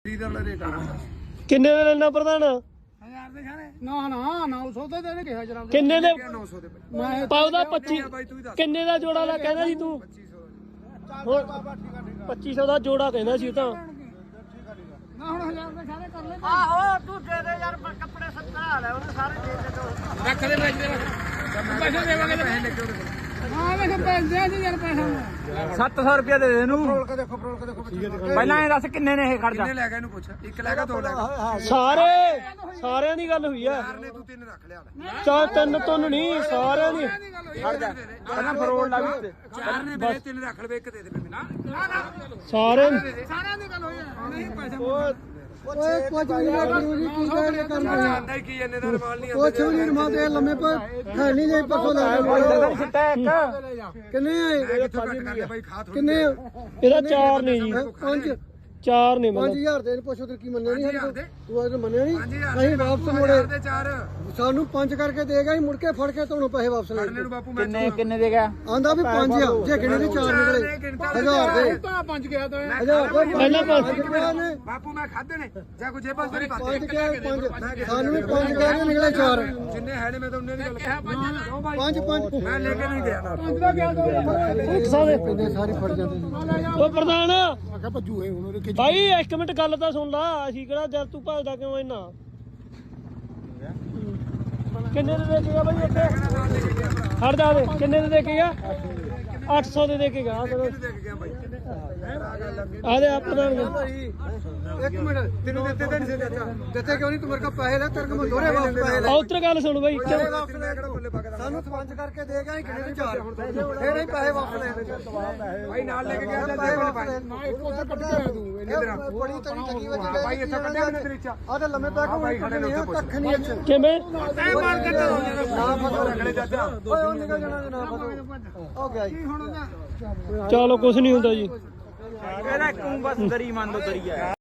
ਕਿੰਨੇ ਦੇ ਲੈਣਾ ਪ੍ਰਧਾਨ? 1000 ਦੇ ਖਾਣੇ ਨਾ 900 ਦੇ ਦੇਣੇ ਕਿਹਾ ਜਰਾ ਕਿੰਨੇ ਦੇ 900 ਦੇ ਮੈਂ ਪਾਉਦਾ 25 ਕਿੰਨੇ ਦਾ ਜੋੜਾ ਲਾ ਕਹਿੰਦਾ ਸੀ ਤੂੰ? 2500 ਦਾ ਜੋੜਾ ਕਹਿੰਦਾ ਸੀ ਤਾਂ ਨਾ ਹੁਣ 1000 ਦੇ ਖਾਣੇ ਕਰ ਲੈ ਆਹੋ ਤੂੰ ਦੇ ਦੇ ਯਾਰ ਕੱਪੜੇ 70 ਆ ਲੈ ਉਹਨੇ ਸਾਰੇ ਦੇ ਦੇ ਰੱਖ ਦੇ ਪੈਸੇ ਦੇਵਾਂਗੇ ਤੇ ਪੈਸੇ ਲੱਗੇ ਉਹਦੇ ਹਾਂ ਵੇਖ ਪੈਸੇ ਦੇ ਯਾਰ ਪੈਸਾ 700 ਰੁਪਏ ਦੇ ਦੇ ਇਹਨੂੰ। ਫਰੋਲ ਕੇ ਦੇਖੋ ਪਹਿਲਾਂ ਇਹ ਦੱਸ ਕਿੰਨੇ ਨੇ ਇਹ ਖਰਚਾ? ਕਿੰਨੇ ਲੈ ਗਿਆ ਇਹਨੂੰ ਪੁੱਛ ਇੱਕ ਲੈ ਗਿਆ ਦੋ ਲੈ ਗਿਆ ਸਾਰਿਆਂ ਦੀ ਗੱਲ ਹੋਈ ਆ। ਨੇ ਤੂੰ ਤਿੰਨ ਰੱਖ ਲਿਆ ਚਾਰ ਤਿੰਨ ਤੁੰਨ ਨਹੀਂ ਸਾਰਿਆਂ ਦੀ। ਖੜ ਜਾ ਪਹਿਲਾਂ ਫਰੋਲ ਲਾ ਵੀ ਚਾਰ ਨੇ ਮੇਰੇ ਤਿੰਨ ਰੱਖ ਲਵੇ ਇੱਕ ਦੇ ਦੇ ਮੈਨੂੰ ਸਾਰੇ ਸਾਰਿਆਂ ਦੀ ਗੱਲ ਹੋਈ ਹੈ ਨਹੀਂ ਪੈਸੇ ਓਏ ਕੁਝ ਵੀ ਨਹੀਂ ਜੀ ਕੀ ਗੱਲ ਕਰਨਾ ਆਂਦਾ ਹੀ ਕੀ ਇਹਨੇ ਦਾ ਰਮਾਲ ਨਹੀਂ ਕੁਝ ਵੀ ਨਹੀਂ ਮਾਤੇ ਲੰਮੇ ਪਰ ਹੈ ਨਹੀਂ ਜੇ ਪਰਸੋਂ ਲੈ ਸਿੱਟਾ ਇੱਕ ਕਿੰਨੇ ਆਏ ਕਿੱਥੋਂ ਘੱਟ ਕਰ ਲਿਆ ਬਾਈ ਖਾ ਥੋੜੀ ਕਿੰਨੇ ਇਹਦਾ ਚਾਰ ਨੇ ਜੀ, ਪੰਜ ਚਾਰ ਨੇ ਮਤਲਬ 5000 ਦੇ ਪੁੱਛੋ ਤੇ ਕੀ ਮੰਨਿਆ ਨਹੀਂ ਸਾਡੇ ਕੋਲ? ਤੂੰ ਅੱਜ ਮੰਨਿਆ ਨਹੀਂ 5000 ਅਸੀਂ ਵਾਪਸ ਮੋੜੇ ਦੇ ਚਾਰ ਸਾਨੂੰ 5 ਕਰਕੇ ਦੇਗਾ ਹੀ ਮੁੜ ਕੇ ਫੜ ਕੇ ਤੁਹਾਨੂੰ ਪੈਸੇ ਵਾਪਸ ਲੈ ਇਹਨੂੰ ਬਾਪੂ ਮੈਂ ਕਿੰਨੇ ਦੇ ਗਿਆ? ਆਂਦਾ ਵੀ 5 ਆ ਜੇ ਗਿਣੇ ਦੇ 4 ਨਿਕਲੇ 1000 ਦੇ ਤਾਂ ਪੰਜ ਗਿਆ ਤਾਂ 1000 ਦੇ ਪਹਿਲਾਂ ਨੇ ਬਾਪੂ ਮੈਂ ਖਾਦੇ ਨੇ ਜਾਂ ਕੋਈ ਜੇਬਾਂ ਤੇਰੀ ਪਾਤੇ 5 ਕੇ 5 ਸਾਨੂੰ ਵੀ 5 ਕਹਿ ਨਿਕਲੇ 4 ਜਿੰਨੇ ਹੈ ਨੇ ਮੈਂ ਤਾਂ ਉਹਨੇ ਦੀ ਗੱਲ ਕਿਹਾ 5 5 ਮੈਂ ਲੈ ਕੇ ਨਹੀਂ ਗਿਆ ਪੰਜ ਦਾ ਗਿਆ ਪੈਸੇ ਸਾਰੇ ਫੜ ਜਾਂਦੇ ਸੀ ਉਹ ਪ੍ਰਧਾਨ ਮੈਂ ਕਿਹਾ ਭੱਜੂ ਇਹ ਹੁਣ ਉਹਦੇ ਭਾਈ ਇੱਕ ਮਿੰਟ ਗੱਲ ਤਾਂ ਸੁਣ ਲਾ। ਅਸੀਂ ਕਿਹੜਾ ਜਦ ਤੂੰ ਭੱਜਦਾ ਕਿਉਂ ਇੰਨਾ? ਕਿੰਨੇ ਦੇ ਦੇ ਕੇ ਗਿਆ ਬਾਈ ਇੱਥੇ? ਹਟ ਜਾ ਦੇ ਕਿੰਨੇ ਦੇ ਦੇ ਕੇ ਗਿਆ? 800 ਦੇ ਦੇ ਕੇ ਗਿਆ ਦੇਖ ਗਿਆ ਬਾਈ ਆ ਦੇ ਆ ਪ੍ਰਧਾਨ ਇੱਕ ਮਿੰਟ ਤੈਨੂੰ ਦਿੱਤੇ ਤਾਂ ਨਹੀਂ ਸੀ ਚਾਚਾ ਦਿੱਤੇ ਕਿਉਂ ਨਹੀਂ ਤੂੰ ਮੇਰੇ ਕੋਲ ਪੈਸੇ ਲੈ ਤੇਰੇ ਕੋਲ ਦੋਰੇ ਵਾਪਸ ਪੈਸੇ ਲੈ ਉਧਰ ਗੱਲ ਸੁਣ ਬਾਈ ਸਾਨੂੰ ਸਪੰਜ ਕਰਕੇ ਦੇ ਗਿਆ ਕਿੰਨੇ ਦੇ 4 ਫੇਰ ਹੀ ਪੈਸੇ ਵਾਪਸ ਲੈ ਭਾਈ ਨਾਲ ਲੈ ਕੇ ਗਿਆ ਪੈਸੇ ਵਾਪਸ ਲੈ ਨਾ ਇੱਕ ਉਧਰ ਕੱਢ ਕੇ ਆਇਆ ਤੂੰ ਇਹਨੇ ਤੇਰਾ ਬੜੀ ਤਰੀ ਲੱਗੀ ਹੋਈ ਹਾਂ ਭਾਈ ਇੱਥੇ ਕੱਢਿਆ ਉਹਨੇ ਤੇਰੀ ਇੱਛਾ ਆ ਤੇ ਲੰਮੇ ਪੈ ਕੇ ਕੱਖ ਨਹੀਂ ਅੱਛਾ ਕਿਵੇਂ? ਐ ਮਾਰ ਕੇ ਨਾ ਫਸੋ ਰਗੜੇ ਚਾਚਾ ਓਏ ਉਹ ਨਿਕਲ ਜਾਣਾ ਤੇ ਨਾ ਫਸੋ ਹੋ ਗਿਆ ਜੀ ਚਲੋ ਕੁਛ ਨਹੀਂ ਹੁੰਦਾ ਜੀ। ਇਹਦਾ ਇੱਕ ਬਸ ਦਰੀ ਮੰਨ ਲਓ ਦਰੀ ਆ।